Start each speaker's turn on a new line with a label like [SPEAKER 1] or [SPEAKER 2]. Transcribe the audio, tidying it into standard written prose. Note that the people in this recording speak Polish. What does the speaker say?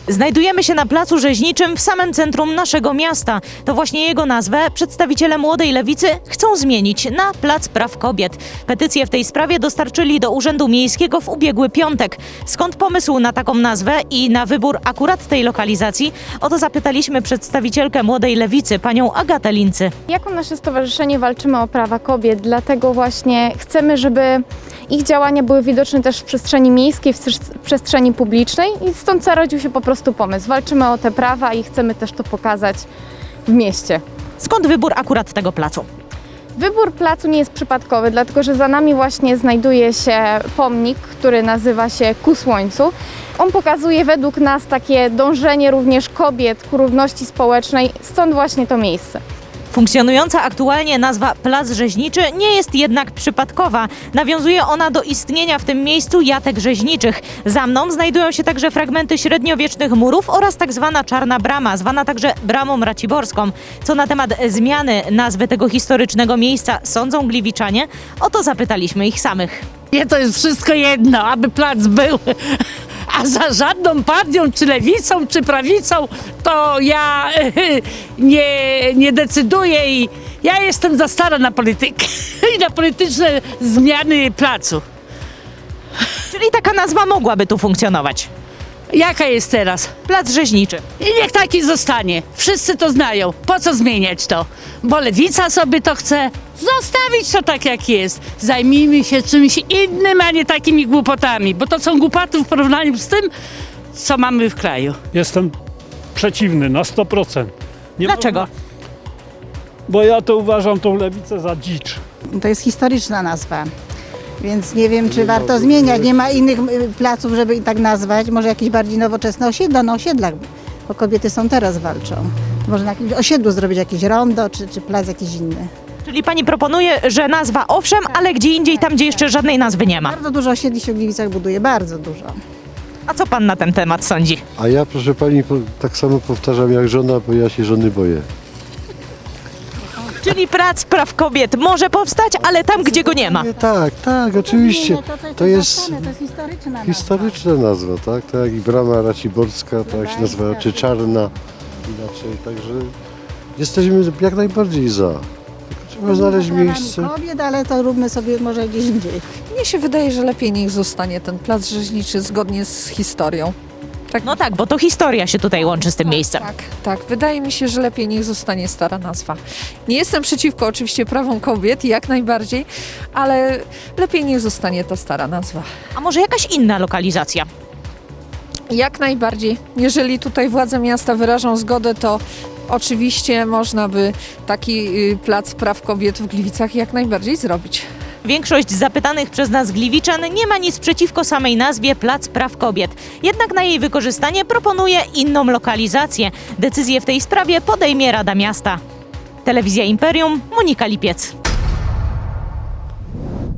[SPEAKER 1] Znajdujemy się na Placu Rzeźniczym w samym centrum naszego miasta. To właśnie jego nazwę przedstawiciele Młodej Lewicy chcą zmienić na Plac Praw Kobiet. Petycję w tej sprawie dostarczyli do Urzędu Miejskiego w ubiegły piątek. Skąd pomysł na taką nazwę i na wybór akurat tej lokalizacji? O to zapytaliśmy przedstawicielkę Młodej Lewicy, panią Agatę Lincy.
[SPEAKER 2] Jako nasze stowarzyszenie walczymy o prawa kobiet, dlatego właśnie chcemy, żeby ich działania były widoczne też w przestrzeni miejskiej, w przestrzeni publicznej i stąd zarodził się po prostu pomysł. Walczymy o te prawa i chcemy też to pokazać w mieście.
[SPEAKER 1] Skąd wybór akurat tego placu?
[SPEAKER 2] Wybór placu nie jest przypadkowy, dlatego że za nami właśnie znajduje się pomnik, który nazywa się Ku Słońcu. On pokazuje według nas takie dążenie również kobiet ku równości społecznej, stąd właśnie to miejsce.
[SPEAKER 1] Funkcjonująca aktualnie nazwa Plac Rzeźniczy nie jest jednak przypadkowa. Nawiązuje ona do istnienia w tym miejscu jatek rzeźniczych. Za mną znajdują się także fragmenty średniowiecznych murów oraz tak zwana Czarna Brama, zwana także Bramą Raciborską. Co na temat zmiany nazwy tego historycznego miejsca sądzą gliwiczanie? O to zapytaliśmy ich samych.
[SPEAKER 3] Nie, to jest wszystko jedno, aby plac był. A za żadną partią, czy lewicą, czy prawicą, to ja nie decyduję i ja jestem za stara na politykę i na polityczne zmiany placu.
[SPEAKER 1] Czyli taka nazwa mogłaby tu funkcjonować.
[SPEAKER 3] Jaka jest teraz?
[SPEAKER 1] Plac Rzeźniczy.
[SPEAKER 3] I niech taki zostanie. Wszyscy to znają. Po co zmieniać to? Bo lewica sobie to chce. Zostawić to tak, jak jest. Zajmijmy się czymś innym, a nie takimi głupotami, bo to są głupoty w porównaniu z tym, co mamy w kraju.
[SPEAKER 4] Jestem przeciwny na 100%. Nie
[SPEAKER 1] Dlaczego?
[SPEAKER 4] można- Bo ja to uważam tą lewicę za dzicz.
[SPEAKER 5] To jest historyczna nazwa, więc nie wiem, czy warto zmieniać. Nie ma innych placów, żeby i tak nazwać. Może jakieś bardziej nowoczesne osiedla, na osiedlach, bo kobiety są teraz walczą. Może na jakimś osiedlu zrobić jakieś rondo, czy plac jakiś inny.
[SPEAKER 1] Czyli pani proponuje, że nazwa owszem, ale gdzie indziej, tam gdzie jeszcze żadnej nazwy nie ma.
[SPEAKER 5] Bardzo dużo osiedli się w Gliwicach buduje, bardzo dużo.
[SPEAKER 1] A co pan na ten temat sądzi?
[SPEAKER 6] A ja, proszę pani, tak samo powtarzam jak żona, bo ja się żony boję.
[SPEAKER 1] Czyli Plac Praw Kobiet może powstać, ale tam, gdzie go nie ma.
[SPEAKER 6] Tak, oczywiście. To jest
[SPEAKER 5] historyczna
[SPEAKER 6] historyczna nazwa, tak? Tak jak i Brama Raciborska, tak się nazywa, czy Czarna, inaczej. Także jesteśmy jak najbardziej za. Tylko trzeba znaleźć miejsce.
[SPEAKER 5] kobiet, ale to róbmy sobie może gdzieś indziej.
[SPEAKER 7] Mnie się wydaje, że lepiej niech zostanie ten plac rzeźniczy zgodnie z historią.
[SPEAKER 1] No tak, bo to historia się tutaj łączy z tym miejscem.
[SPEAKER 7] Tak. Wydaje mi się, że lepiej niech zostanie stara nazwa. Nie jestem przeciwko oczywiście prawom kobiet, jak najbardziej, ale lepiej niech zostanie ta stara nazwa.
[SPEAKER 1] A może jakaś inna lokalizacja?
[SPEAKER 7] Jak najbardziej. Jeżeli tutaj władze miasta wyrażą zgodę, to oczywiście można by taki plac praw kobiet w Gliwicach jak najbardziej zrobić.
[SPEAKER 1] Większość zapytanych przez nas gliwiczan nie ma nic przeciwko samej nazwie Plac Praw Kobiet. Jednak na jej wykorzystanie proponuje inną lokalizację. Decyzję w tej sprawie podejmie Rada Miasta. Telewizja Imperium, Monika Lipiec.